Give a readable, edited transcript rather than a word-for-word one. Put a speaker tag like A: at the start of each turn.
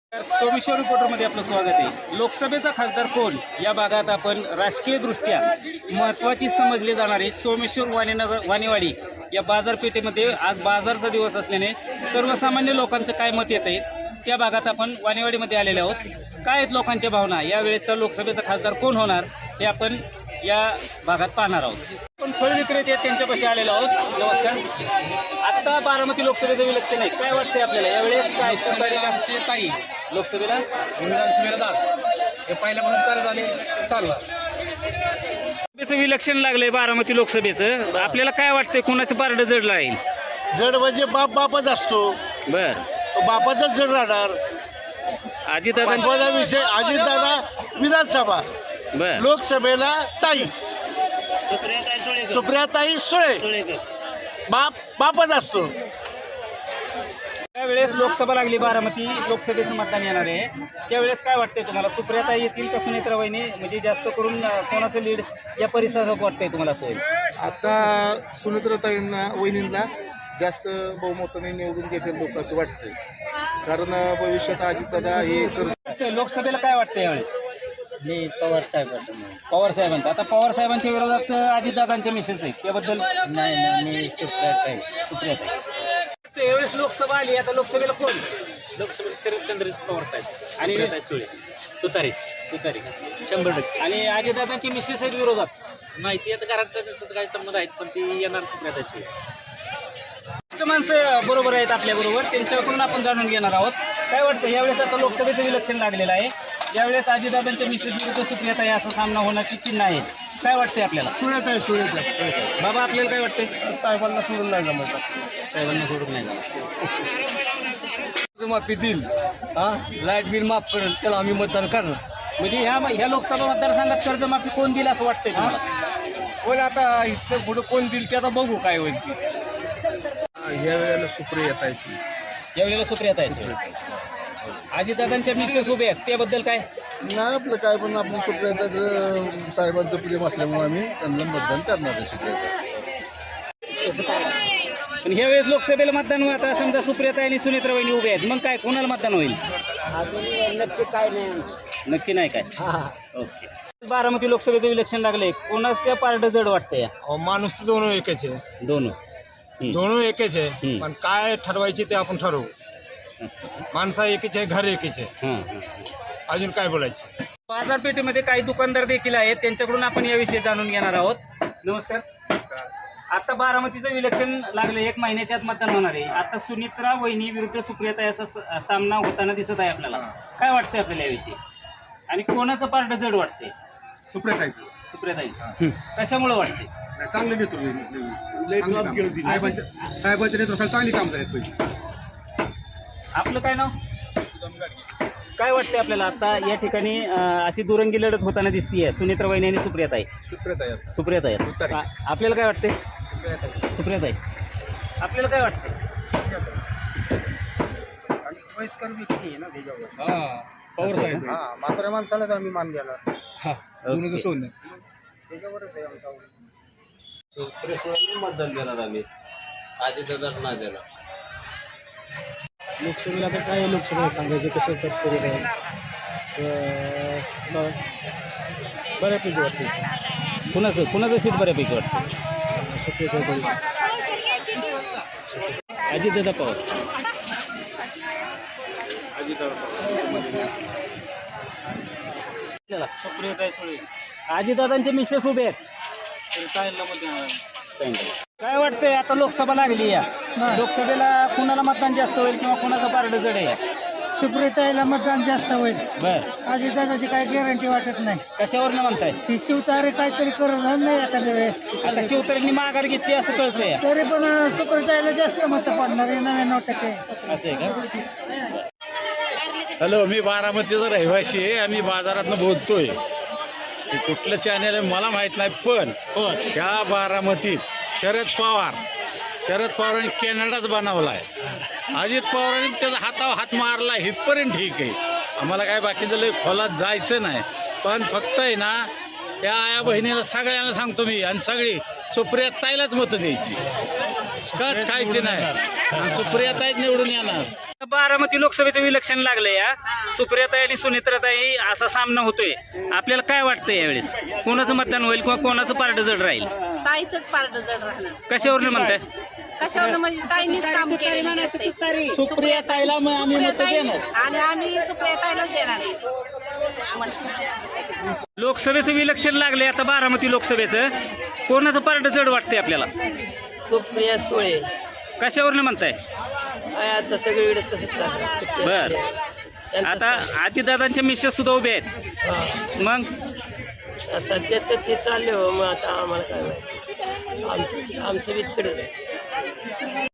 A: सोमेश्वर रिपोर्टरमध्ये आपलं स्वागत आहे। लोकसभेचा खासदार कोण या भागात आपण राजकीय दृष्ट्या महत्त्वाची समजले जाणारे सोमेश्वर वाणीवाडी या बाजारपेठेमध्ये आज बाजारचा दिवस असल्याने सर्वसामान्य लोकांचं काय मत येत आहे त्या भागात आपण वाणीवाडीमध्ये आलेले आहोत। काय आहेत लोकांच्या भावना, या वेळेचा लोकसभेचा खासदार कोण होणार हे आपण या भागात पाहणार आहोत। पण फळ विक्रेते त्यांच्यापाशी आलेलो आहोत। नमस्कार। आता बारामती लोकसभेचं इलेक्शन आहे, काय वाटतंय आपल्याला यावेळेस? काय
B: ताई
A: लोकसभेला
B: विधानसभेला जात हे पहिल्यापासून चालत आले चाललं।
A: इलेक्शन लागलंय बारामती लोकसभेचं, आपल्याला काय वाटतंय कुणाचं पारडं जड राहील?
C: जड म्हणजे बापच असतो,
A: बर
C: बापाचाच जड राहणार।
A: अजितदादा
C: विषय अजितदादा विधानसभा,
A: बर
C: लोकसभेला ताई सुप्रियाताई सुळे, बापच असतो।
A: त्यावेळेस लोकसभा लागली, बारामती लोकसभेचं मतदान येणार आहे, त्यावेळेस काय वाटतंय तुम्हाला? सुप्रियाताई येतील का सुनेत्रा वहिनी? म्हणजे जास्त करून कोणाचं लीड या परिसरात वाटतंय तुम्हाला? सोय
D: आता सुनेत्राताईंना वहिनींना जास्त बहुमताने निवडून घेतील लोक असं वाटतंय, कारण भविष्यात अजितदादा हे
A: लोकसभेला काय वाटतं यावेळेस?
B: मी पवार साहेबांचं
A: पवार साहेबांचा, आता पवार साहेबांच्या विरोधात अजितदादांच्या मिसेस आहेत, त्याबद्दल
B: नाही मी सुप्रियाताई
A: यावेळेस लोकसभा आली, आता लोकसभेला कोण? लोकसभेला शरदचंद्र पवार साहेब आणि सुळे तुतारी 100%। आणि अजितदादांची मिसेस आहेत विरोधात,
B: माहिती आहे घरात त्यांचं काही संबंध आहेत, पण ती येणार सुप्रियाताई सुळे।
A: माणसं बरोबर आहेत आपल्या बरोबर, त्यांच्याकडून आपण जाणून घेणार आहोत। काय वाटतं यावेळेस? आता लोकसभेचं इलेक्शन लागलेलं आहे, यावेळेस अजितदादांच्या मिसेस विरुद्ध सुप्रियाताई असा सामना होण्याची चिन्ह आहे, काय वाटतंय आपल्याला?
D: सुळेताई
A: बाबा आपल्याला काय वाटतंय?
D: साहेबांना सोडून नाही जमत,
A: साहेबांना सोडून नाही जाणार।
B: माफी देईल, लाईट बिल माफ करेल, त्याला आम्ही मतदान करणार।
A: म्हणजे ह्या लोकसभा मतदारसंघात कर्जमाफी कोण दिलं असं वाटतंय तुम्हाला?
B: पण आता इथं पुढे कोण देईल ते आता बघू काय होईल ते।
D: या वेळेला सुप्रियाताईची
A: यावेळेला सुप्रियाताई सुळे, अजितदादांच्या मिसेस उभे आहेत, त्याबद्दल काय?
D: नाही आपलं काय, पण आपलं सुप्रियाताईचं साहेबांचं प्रेम असल्यामुळे आम्ही त्यांना मतदान करणार आहे सुप्रियाताई।
A: पण ह्या वेळेस लोकसभेला मतदान होईल, आता समजा सुप्रियाताई आणि सुनेत्रा वहिनी उभे आहेत, मग काय कोणाला मतदान होईल?
B: नक्की काय नाही,
A: नक्की नाही काय? ओके। बारामती लोकसभेचं इलेक्शन लागलंय, कोणाच्या पार्ट जड वाटतंय?
E: माणूस तर दोनों एकच आहे,
A: दोनों
E: एकच आहे, पण काय ठरवायचे ते आपण ठरवू। माणसा एकच आहे, घर एकच आहे, अजून काय बोलायचं?
A: बाजारपेठेमध्ये काही दुकानदार देखील आहेत, त्यांच्याकडून आपण याविषयी जाणून घेणार आहोत। नमस्कार। आता बारामतीचं इलेक्शन लागलं, 1 महिन्याच्या आत मतदान होणार आहे, आता सुनेत्रा वहिनी विरुद्ध सुप्रियाताई असा सामना होताना दिसत आहे आपल्याला, काय वाटतंय आपल्याला याविषयी? आणि कोणाचं पार्ट जड वाटतंय? सुप्रियाताईचं कशामुळे वाटते?
D: चांगले नेतृत्व, साहेबांच्या नेतृत्वाला चांगली काम झाली पाहिजे।
A: आपलं काय नाव? काय वाटतंय आपल्याला? आता या ठिकाणी अशी दुरंगी लढत होताना दिसतीये, सुनेत्रा वहिनी आणि सुप्रियाताई आपल्याला काय वाटतंय? सुप्रियाताई आपल्याला काय वाटतंय?
D: वयस्कर व्यक्ती आहे ना त्याच्यावर,
E: पवार साहेब
D: म्हाताऱ्या माणसाला तर आम्ही मान द्यायला त्याच्यावरच आहे आमचा।
C: मतदान देणार आम्ही, अजितदादा नाही देणार।
D: लोकसभेला तर काय लोकसभेला सांगायचे कसं तत्पर आहे, बऱ्यापैकी वाटते।
A: कुणाचं सीट बऱ्यापैकी वाटतं? अजितदादा पवार।
B: सुप्रियाताई सुळे,
A: अजितदादांचे मिसेस उभे आहेत, काय वाटतंय? आता लोकसभा लागली, या लोकसभेला कुणाला मतदान जास्त होईल किंवा कुणाचं पारड जड आहे?
F: सुप्रियाताईला मतदान जास्त होईल,
A: बर
F: अजितदादाची काही गॅरंटी वाटत नाही।
A: कशावर म्हणताय?
F: ती शिवतारे काहीतरी करणार नाही एखाद्या वेळेस,
A: आता शिवतरेंनी माघार घेतली असं कळतंय,
F: तरी पण सुप्रियाताईला जास्त मतं पडणार आहे, 99%।
A: असं आहे का?
G: हॅलो, मी बारामतीचा रहिवासी आहे आणि बाजारातनं बोलतोय। कुठलं चॅनल आहे मला माहीत नाही, पण ह्या बारामतीत शरद पवारांनी कॅनडाच बनवला आहे, अजित पवारांनी त्याचा हातावर हात मारला, इथपर्यंत ठीक आहे, आम्हाला काय बाकीचं लय खोलात जायचं नाही, पण फक्त आहे ना त्या आया बहिणीला सगळ्यांना सांगतो मी, आणि सगळी सुप्रियाताईलाच मतं द्यायची, कच खायची नाही, सुप्रियाताईच निवडून येणार।
A: बारामती लोकसभेचं इलेक्शन लागलंय या सुप्रियाताई आणि सुनेत्राताई असा सामना होतोय. आपल्याला काय वाटतंय यावेळेस कोणाचं मतदान होईल किंवा कोणाचं पारडं जड राहील?
H: ताईच पार्ट जड राहणार.
A: कशावरनं म्हणताय?
H: कशावर म्हणजे ताईंनीच काम केलेलं नसते.
F: सुप्रिया ताईला आम्ही मत देणार
H: आणि आम्ही सुप्रिया ताईलाच देणार आहे.
A: लोकसभेचं इलेक्शन लागलंय आता बारामती लोकसभेचं, कोणाचं पारडं जड वाटतंय आपल्याला?
F: सुप्रिया सुळे
A: कशावरनं म्हणताय?
F: आता सगळीकडे तसंच
A: बर आता आजीदादांच्या मिसेस सुद्धा उभे आहेत, मग
F: सध्या तर ते चालले हो. मग आता आम्हाला काय माहिती, आमचं बी तिकडेच आहे.